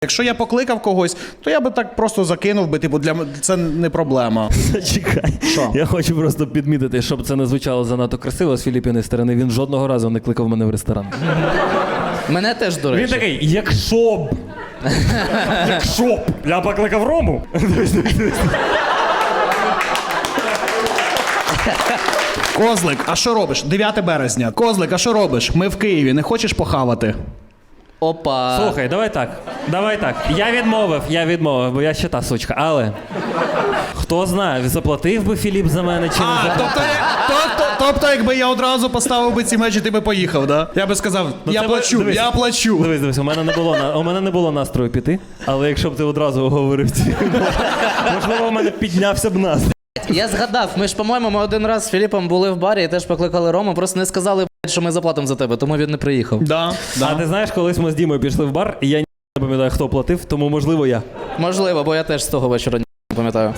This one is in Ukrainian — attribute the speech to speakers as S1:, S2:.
S1: Якщо я покликав когось, то я би так просто закинув би, типу, це не проблема.
S2: Чекай.
S1: Що?
S2: Я хочу просто підмітити, щоб це не звучало занадто красиво з Філіппіної сторони. Він жодного разу не кликав мене в ресторан.
S3: Мене теж, до речі.
S2: Він такий, якщо б я покликав Рому.
S1: Козлик, а що робиш? 9 березня. Козлик, а що робиш? Ми в Києві, не хочеш похавати?
S3: Опа.
S2: Слухай, давай так. Я відмовив, бо я ще та сучка. Але хто знає, заплатив би Філіп за мене чи не заплатив.
S1: Тобто, якби я одразу поставив би ці мечі, ти би поїхав, да? Я би сказав, я плачу.
S2: Дивись, у мене не було настрою піти, але якщо б ти одразу оговорив ці, можливо, у мене піднявся б настрій.
S3: Я згадав, ми ж, по-моєму, ми один раз з Філіпом були в барі і теж покликали Рому, просто не сказали, що ми заплатимо за тебе, тому він не приїхав.
S1: Да.
S2: А ти знаєш, колись ми з Дімою пішли в бар, і я не пам'ятаю, хто платив, тому можливо я.
S3: Можливо, бо я теж з того вечора не пам'ятаю.